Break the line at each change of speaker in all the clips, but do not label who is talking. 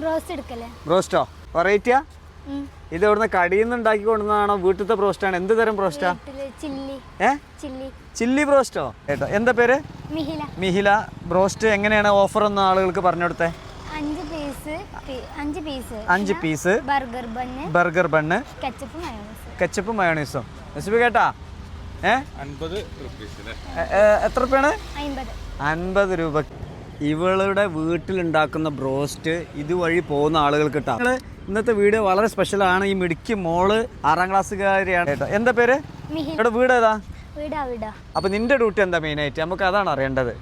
ബ്രോസ്റ്റോ വെറൈറ്റിയാ? ഇത് ഇവിടുന്ന് കടിയിൽ നിന്ന് ഉണ്ടാക്കി കൊണ്ടുവന്നതാണോ വീട്ടിലത്തെ ബ്രോസ്റ്റാണ്? എന്ത് തരം ബ്രോസ്റ്റാ? ചില്ലി ബ്രോസ്റ്റോ. കേട്ടോ, എന്താ പേര്? മിഹില. ബ്രോസ്റ്റ് എങ്ങനെയാണ് ഓഫർ ഒന്ന് ആളുകൾക്ക് പറഞ്ഞു കൊടുത്തേ? 5 പീസ് ബർഗർ ബണ്ണ് കെച്ചപ്പും മയോണൈസും. കേട്ടാ?
50
എത്ര രൂപയാണ്? 50 രൂപ. ഇവളുടെ വീട്ടിലുണ്ടാക്കുന്ന ബ്രോസ്റ്റ് ഇതുവഴി പോകുന്ന ആളുകൾക്ക് കിട്ടാം. ഇന്നത്തെ വീഡിയോ വളരെ സ്പെഷ്യലാണ്. ഈ മിടുക്കി മോള് 6ാം ക്ലാസ്സുകാരിയാണ് കേട്ടോ. എന്താ പേര്? ഇവിടെ വീട് ഏതാ? അപ്പൊ നിന്റെ ഡ്യൂട്ടി എന്താ മെയിൻ ആയിട്ട്? നമുക്ക് അതാണ് അറിയേണ്ടത്.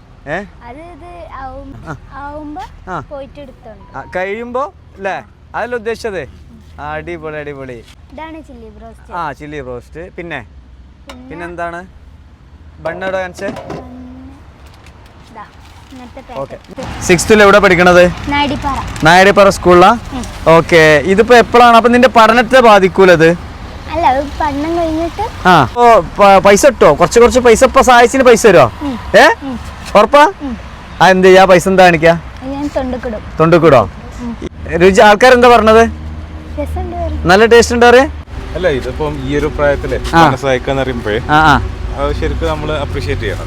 കഴിയുമ്പോ അല്ലേ അതല്ല ഉദ്ദേശിച്ചത്? അടിപൊളി അടിപൊളി. Chilli broast. പിന്നെന്താണ്? ബണ്ണോട് കാണിച്ചേ. ഓക്കെ. 6th എവിടെ പഠിക്കണത്? നായടിപ്പാറ സ്കൂളിലാ? ഓക്കെ. ഇതിപ്പോ എപ്പോഴാണ് അപ്പൊ നിന്റെ പഠനത്തെ ബാധിക്കൂലത്? പൈസ കിട്ടോ? കുറച്ച് പൈസ ഇപ്പൊ സഹായിച്ചിന് പൈസ തരുമോ? ഉറപ്പാ? എന്ത് ചെയ്യാ? പൈസ എന്താ കാണിക്കാ? തൊണ്ടുക്കിടോ? രുചി ആൾക്കാരെന്താ പറഞ്ഞത്? നല്ല ടേസ്റ്റ് ഉണ്ട് അറിയാം.
അല്ല, ഇതിപ്പം ഈ ഒരു പ്രായത്തില് സഹായിക്കാന്ന് പറയുമ്പോഴേ ശരിക്കും നമ്മള് അപ്രീഷിയേറ്റ് ചെയ്യണം.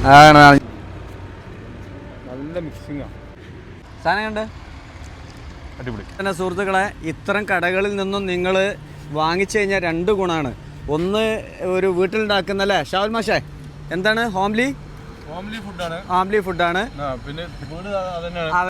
നല്ല മിക്സിംഗ്
സാധനം.
അടിപൊളി.
പിന്നെ സുഹൃത്തുക്കളെ, ഇത്തരം കടകളിൽ നിന്നും നിങ്ങൾ വാങ്ങിച്ചു കഴിഞ്ഞാൽ 2 ഗുണമാണ്. ഒന്ന്, ഒരു വീട്ടിലുണ്ടാക്കുന്ന അല്ലേ ഷാവുൽ മാഷേ, എന്താണ്? ഹോംലി ഫുഡാണ്. പിന്നെ